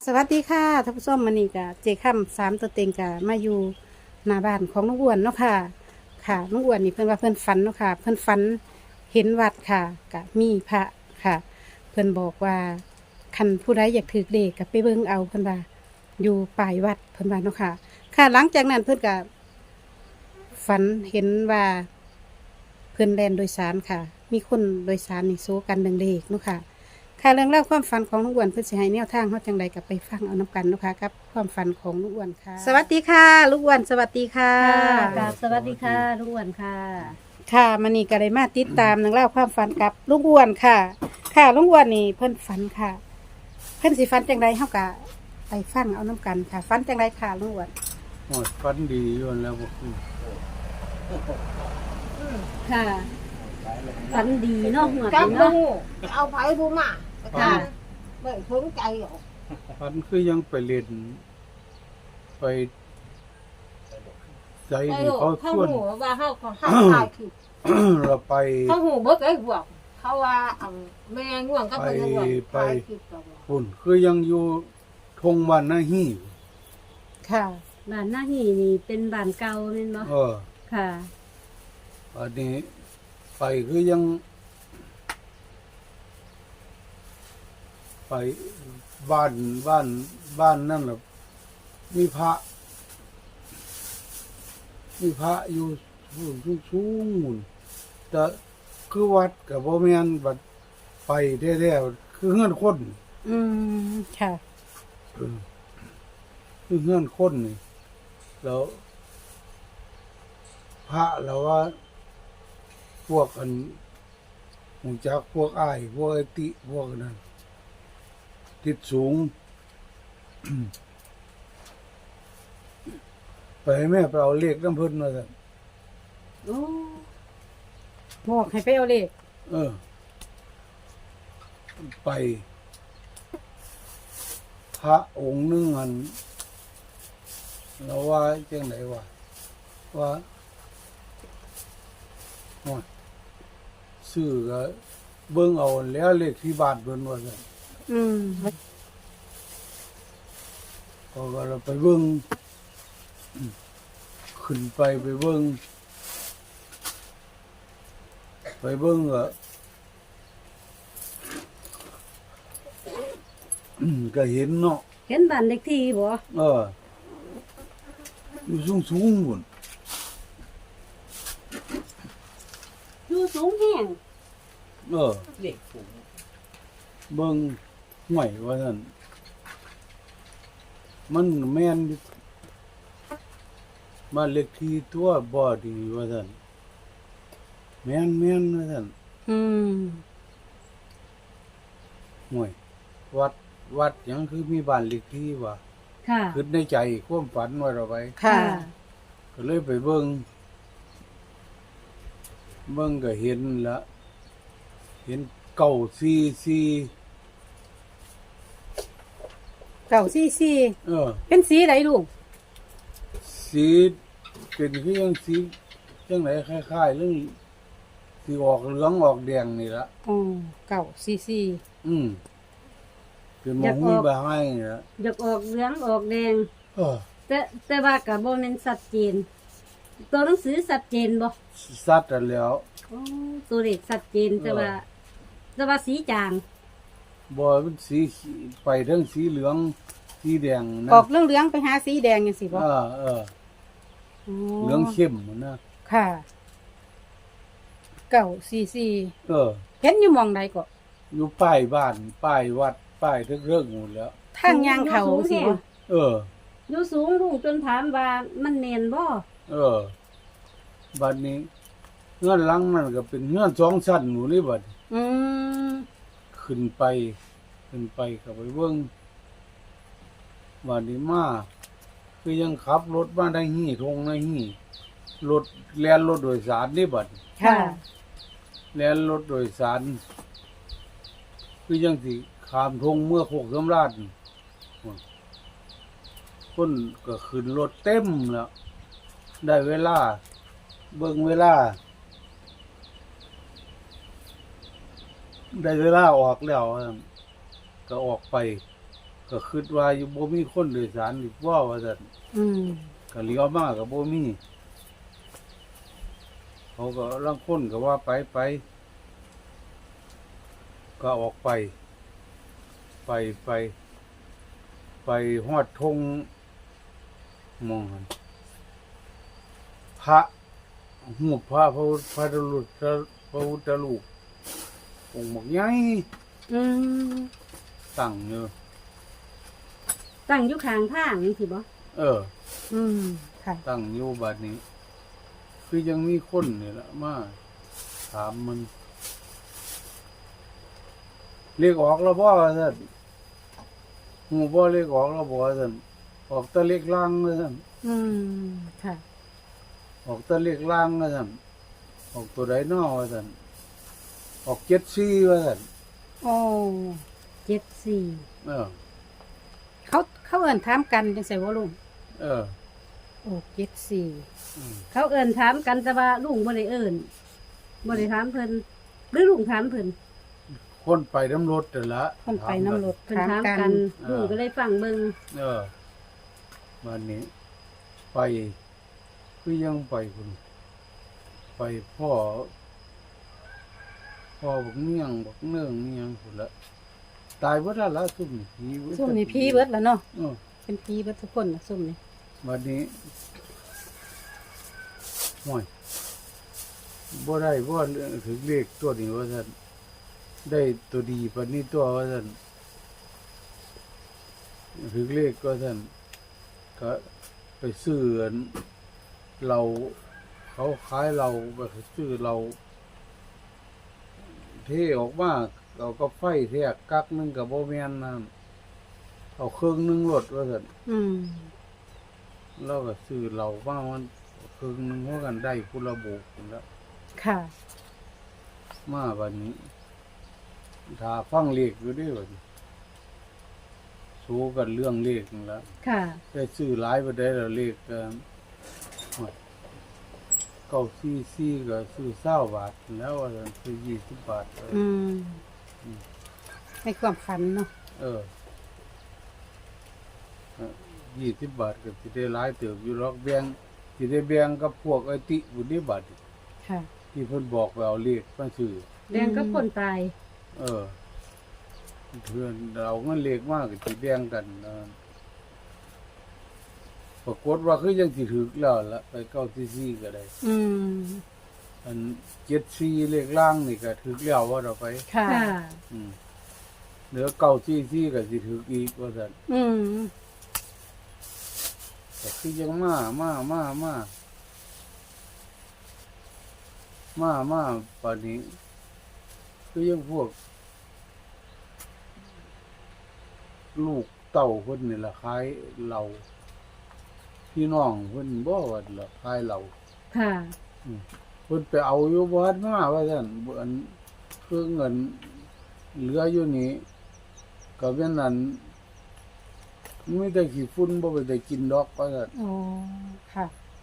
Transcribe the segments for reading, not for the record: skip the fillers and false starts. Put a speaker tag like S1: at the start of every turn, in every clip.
S1: สวัสดีค่ะท่านผู้ชมมื้อนี้ก็เจค่ำสามตัวเต็งก็มาอยู่หน้าบ้านของลุงอ้วนเนาะค่ะค่ะลุงอ้วนนี่เพิ่นว่าเพิ่นฝันเนาะค่ะเพิ่นฝันเห็นวัดค่ะก็มีพระค่ะ เพิ่นบอกว่าคันผู้ใดอยากถือเลขก็ไปเบิ่งเอาเพิ่นว่าอยู่ปลายวัดเพิ่นว่าเนาะค่ะค่ะหลังจากนั้นเพิ่นก็ฝันเห็นว่าเพิ่นแล่นโดยสารค่ะ มีคนโดยสารนี่โซกันดึงเลขเนาะค่ะ ค่ะเรื่องเล่าวความฝันของลุงอ้วนเพื่อสิให้แนวทางเขาจังใดกับไปฟังเอาน้ำกันเนาะคะกับความฝันของลุงอ้วนค่ะ สวัสดีค่ะลุงอ้วนสวัสดีค่ะ
S2: ค่ะกราบสวัสดีค่ะลุงอ้วนค่ะ
S1: ค่ะมันนี่ก็ได้มาติดตามเรื่องเล่าวความฝันกับลุงอ้วนค่ะ ค่ะลุงอ้วนนี่เพิ่นฝันค่ะ เพิ่นสิฝันจังใดเฮากะไปฟังเอาน้ำกันค่ะฝันจังใดค่ะลุงอ้วน
S3: โอ้ยฟันดีอยู่แล้วบ่คือ
S2: ค่ะฝันดีเนาะหัว
S4: จับ
S2: ดี
S4: ลู
S2: เนาะ
S4: เอาไปดูมา
S2: ค่ะ
S4: ไม่สนใจหรอก
S3: ฟันคือยังไปเล่นไปใจ
S4: ไอ้
S3: นี่
S4: ลูก
S3: เขา
S4: เขา
S3: ชวน
S4: หูว่าเขาตายคือ
S3: เราไป
S4: เขาหูเบิกไอ้พวกเขาว่าแม่ง่วงก็เป็นง่วงตายคือตัว
S3: ปุ่นคือยังอยู่ทงบ้านนาฮี่
S1: ค่ะ
S2: บ้านหน้าหีนี่เป็นบ้านเก่าแม่นบ่
S3: เออ
S2: ค่ะ
S3: อันนี้ไปคือยัง ไปบ้านนั่นแหละมีพระอยู่สูงๆหมุนแต่คือวัดกับบ่แม่นบัดไปแท้ๆคือเฮือนคน
S1: อืมค่ะ
S3: คือเฮือนคนนี่แล้วพระเราว่า พวกอันหูจักพวกอ้ายพวกไอติพวกนั้นติดสูง ไปให้แม่ไปเอาเลขน้ำเพิ่นมาสั่น
S2: โอ้
S1: บอกให้ไปเอาเลข
S3: เออ ไปพระองค์หนึงอันเราว่าจังไหนวะว่าโอ้ยซื้อก็เบิ่งเอาแล้วเลขที่บ้านเพิ่นว่าซั่น
S1: อืม
S3: เขาก็เราไปเบิ่งขึ้นไปเบิ่งก็ก็เห็นเนาะ
S2: เห็นบ้านเล็กที่บ่
S3: เออ อยู่สูงๆพุ่น
S2: อยู่สูงแห้ง
S3: เออเด็กสูงเบิ่งห่วยว่าซั่นมันแม่นอยู่บ้านเลขที่ตัวบ่ดีว่าซั่นแม่นว่าซั่น
S1: อืม
S3: ห่วยวัดหยังคือมีบ้านเลขที่วะ
S2: ค่ะ
S3: คิดในใจความฝันว่าเราไป
S1: ค่ะ
S3: ก็เลยไปเบิ่งก็เห็นละเห็นเก่าซี
S1: เก่าซี่ซี่
S3: เออ
S1: เป็นสีไหนลูก
S3: สีเป็นคือยังสีจังไหนคล้ายๆเรื่องสีออกเหลืองออกแดงนี่ละ
S1: อ๋อเก่าซี่ซี่
S3: เป็นหมองมีใบไม้นี่ละ
S2: อยากออกเหลืองออกแดง
S3: เออ
S2: แต่ว่าก็บ่แม่นชัดเจน ตัวหนังสือชัดเจนบ่
S3: สัตว์อันแล้ว
S2: โอ้ตัวเลขชัดเจนแต่ว่าสีจาง
S3: บ่มันสีไปทั้งสีเหลืองสีแดงนะ
S1: ออกเรื่องเหลืองๆไปหาสีแดงยังสิบ่
S3: เออ
S1: อ๋อ
S3: เหลืองเข้มนะ
S1: ค่ะ เก่าซี่ซี่
S3: เออ
S1: เห็นอยู่หมองใดก็
S3: อยู่ป้ายบ้านป้ายวัดป้ายเรื่องหมดแล้ว
S1: ทางย่างเขาสิบ่
S3: เออ
S2: อยู่สูงลุงจนถามว่ามันแน่นบ่
S3: เออบัดนี้เงื่อนหลังนั่นก็เป็นเงื่อนสองชั้นหนูนี่บัด
S1: อืม
S3: ขึ้นไปก็ไปเบิ่งบัดนี้มาคือยังขับรถมาได้หี่ทงได้หี่รถแล่นรถโดยสารนี่บัด
S1: ค่ะ
S3: แล่นรถโดยสารคือยังสิข้ามทงเมื่อโคกสำราญคนก็ขึ้นรถเต็มแล้ว ได้เวลา เบิ่งเวลา ได้เวลาออกแล้วก็ออกไปก็คิดว่าอยู่บ่มีคนโดยสารอีกว่าซั่น
S1: อืม
S3: ก็เลี้ยวมาก็บ่มีเขาก็ลางคนก็ว่าไปก็ออกไปไปฮอดธงมองหั่นพระหูปพระพระรูปพระพุทธรูปองค์บักใหญ่
S1: อืม
S3: ตั้งอยู่
S2: ตั้งอยู่ข้างทางนี่สิบ่
S1: อืมค่ะ
S3: ตั้งอยู่บัดนี้ คือยังมีคนนี่ละมาถามมันเรียกออกแล้วบ่ว่าซั่นหูบ่เรียกออกแล้วบ่ว่าซั่นออกแตะเล็กล่างว่าซั่น
S1: อืมค่ะ
S3: ออกแตะเล็กล่างว่าซั่นออกตัวใดน้อว่าซั่นออก74ว่าซั่น
S1: โอ้
S2: 74
S1: เขาเอิ้นถามกันจังไสบ่ลุง
S3: เออ
S1: โอ้74
S3: อืม
S2: เขาเอิ้นถามกันแต่ว่าลุงบ่ได้เอิ้นบ่ได้ถามเพิ่นหรือลุงถามเพิ่น
S3: คนไปน้ำรถนั่นละ
S1: คนไปน้ำรถ
S2: เพิ่น
S1: ถาม
S2: ถาม
S1: กั
S2: กัน นลุงก็เลยฟังเบิ่ง
S3: วันนี้ ไปคือยังไปคุณไปพ่อบักเมี่ยงบักเนื่องเมี่ยงคุณละตายว่าได้ละซุ่มผี
S1: ซุ่มนี่ผีเบิดแล้วเนาะ
S3: เออ
S1: เป็นผีเบิดทุกคนนะซุ่มนี่
S3: วันนี้ห่วยบ่ได้บ่ถึงเลขตัวนี้ว่าท่านได้ตัวดีปานนี้ตัวว่าท่านถึงเลขก็ท่านก็ไปซื้ออันเราเขาขายเราไปซื้อเราเทออกมาเราก็ไฟแทกกักหนึงกับบ่แม่นนั่นเอาเครื่องหนึงรถว่าท่าน
S1: อืม
S3: เราก็ซื้อเราบ้างมันครึ่งหนึงเพราะกันได้พุระบุกแล้ว
S1: ค่ะ
S3: มาวันนี้ถ้าฟังเลขอยู่เด้วยวันนี้สู้กันเรื่องเลขนั่นละ
S2: ค่ะ
S3: ได้ซื้อหลายประเดี๋ยวเลขกัน944ก็ซื้อ20 บาทแล้วว่าซั่นซื้อ20 บาท
S1: อืมให้ความฝันเนาะ
S3: 20 บาทก็สิได้หลายเติบอยู่หรอกแบ่งสิได้แบ่งกับพวกไอ้ติบุญบาท
S1: ค่ะ
S3: ที่เพิ่นบอกว่าเอาเลขมาซื้อ
S2: แดงกับคนตาย
S3: เพื่อนเราเงินเล็กมากที่แบ่งกันปรากฏว่าคือยังสิถึกแล้วละไป944ก็ได้
S1: อืม
S3: อัน74เลขล่างนี่ก็ถึกแล้วว่าเราไป
S1: ค่ะ
S2: ค่ะ
S3: เหลือ944ก็สิถึกอีกว่าซั่น
S1: อืม
S3: แต่คือยังมาปานนี้คือยังพวก ลูกเต่าเพิ่นนี่ล่ะขายเหล้าพี่น้องเพิ่นบ่ว่าล่ะขายเหล้า
S2: ค่ะ
S3: เพิ่นไปเอาอยู่บ่ทันมาว่าซั่นอันคือเงินเหลืออยู่นี่ก็เป็นนั้นมีแต่ขี้ฝุ่นบ่ไปได้กินดอกว่าซั่น
S1: โอ้ค่ะ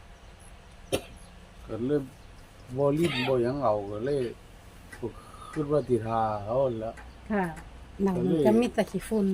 S3: ก็เลยบ่ลิ้นบ่หยังเอาก็เลยคิดว่าสิทาเขาหั่นล่ะ
S2: ค่ะ
S1: หนังมันก็มีแต่ขี้ฝุ่น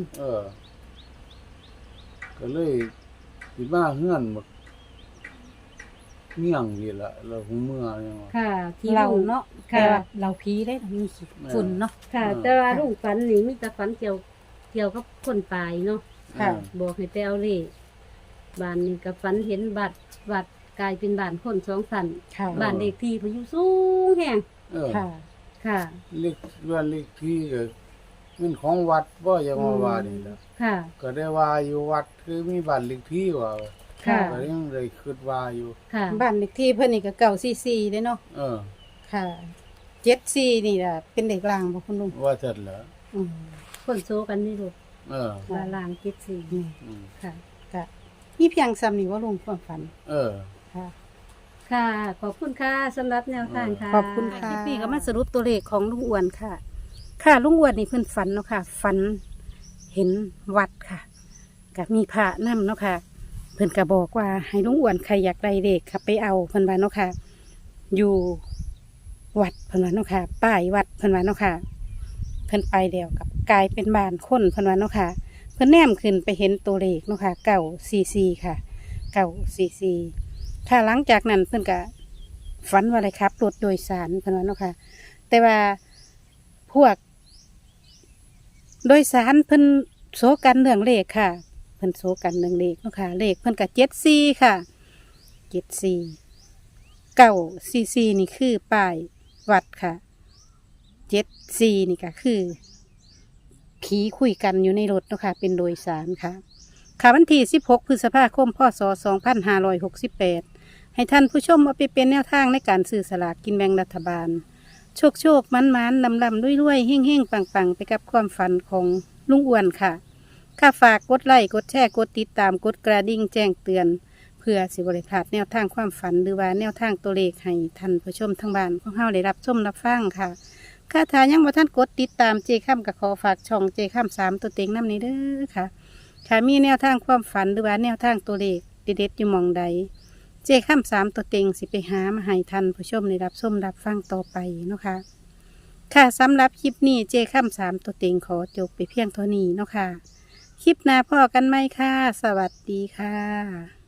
S3: ก็เลยสิมาเฮือนบักเมี่ยงนี่ล่ะแล้วหูเมื่อยังว่า
S2: ค่ะ ที่
S1: เรา
S2: ลุง
S1: เนาะ
S2: ค่ะ
S1: แต่ว่าเราผีได้มีขี้ฝุ่นเนาะ
S2: ค่ะ แต่ว่าลุงฝันนี่มีแต่ฝันเกี่ยวกับคนตายเนาะ
S1: ค่ะ
S2: บอกให้ไปเอาเลขบ้านนี้ก็ฝันเห็นบัตรกลายเป็นบ้านคนสองสัน
S1: ค่ะ
S2: บ้านเลขที่เพนอยู่สูงแฮง
S1: ค่ะ
S2: ค่ะ
S3: เลขว่าเลขที่ก็มันของวัดบ่ยังว่านี่ล่ะ
S2: ค่ะ
S3: ก็ได้ว่าอยู่วัดคือมีบ้านเลขที่ว่า
S2: ค่ะ
S3: ก็ยังได้คิดว่าอยู่
S2: ค่ะ
S1: บ้านเลขที่เพิ่นนี่ก็944ได้เนาะ ค่ะ74นี่ล่ะเป็นเด็กลางบ่คุณลุง
S3: ว่าซั่นล่ะ
S1: อืม
S2: คนโซกันนี่ลูก
S3: ค่ะ
S2: ว่าลางคิดสี่
S1: นี่
S2: ค่ะ
S1: ก็มีเพียงซ้ำนี่ว่าลุงความฝัน ค่ะ
S2: ค่ะ ขอบคุณค่ะสำหรับแนวทางค่ะ
S1: ขอบคุณค่ะคลิปนี้ก็มาสรุปตัวเลขของลุงอ้วนค่ะ ค่ะลุงอ้วนนี่เพิ่นฝันเนาะค่ะ ฝันเห็นวัดค่ะกับมีพระนำเนาะค่ะ เพิ่นก็บอกว่าให้ลุงอ้วนใครอยากได้เลขค่ะไปเอาเพิ่นว่าเนาะค่ะ อยู่วัดเพิ่นว่าเนาะค่ะ ป้ายวัดเพิ่นว่าเนาะค่ะ เพิ่นไปเดียวกับกลายเป็นบ้านคนเพิ่นว่าเนาะค่ะพิ่นแนมขึ้นไปเห็นตัวเลขเนาะค่ะ944ค่ะ944ค่ะหลังจากนั้นเพิ่นก็ฝันว่าอะไรครับรถโดยสารเพิ่นว่าเนาะค่ะแต่ว่าพวกโดยสารเพิ่นโซกันเรื่องเลขค่ะเพิ่นโซกันเรื่องเลขเนาะค่ะเลขเพิ่นก็74ค่ะ74 944นี่คือป้ายวัดค่ะ74นี่ก็คือผีคุยกันอยู่ในรถเนาะค่ะเป็นโดยสารค่ะค่ะวันที่16พฤษภาคมพศ2568ให้ท่านผู้ชมเอาไปเป็นแนวทางในการซื้อสลากกินแบ่งรัฐบาลโชคโชคมันมันลำลำรวยๆเฮ่งเฮ่งปังปังไปกับความฝันของลุงอ้วนค่ะค่ะฝากกดไลค์กดแชร์กดติดตามกดกระดิ่งแจ้งเตือนเพื่อสิบริพลาดแนวทางความฝันหรือว่าแนวทางตัวเลขให้ท่านผู้ชมทั้งบ้านของเฮาได้รับชมรับฟังค่ะค่ะถ้ายังบ่ท่านกดติดตามเจค่ำก็ขอฝากช่องเจค่ำ3ตัวเต็งน้ำนี้เด้อค่ะค่ะมีแนวทางความฝันหรือว่าแนวทางตัวเลขเด็ดๆอยู่หม่องใดเจค่ำ3ตัวเต็งสิไปหามาให้ท่านผู้ชมได้รับชมรับฟังต่อไปเนาะค่ะค่ะสำหรับคลิปนี้เจค่ำ3ตัวเต็งขอจบไปเพียงเท่านี้เนาะค่ะคลิปหน้าพ่อกันไหมค่ะสวัสดีค่ะ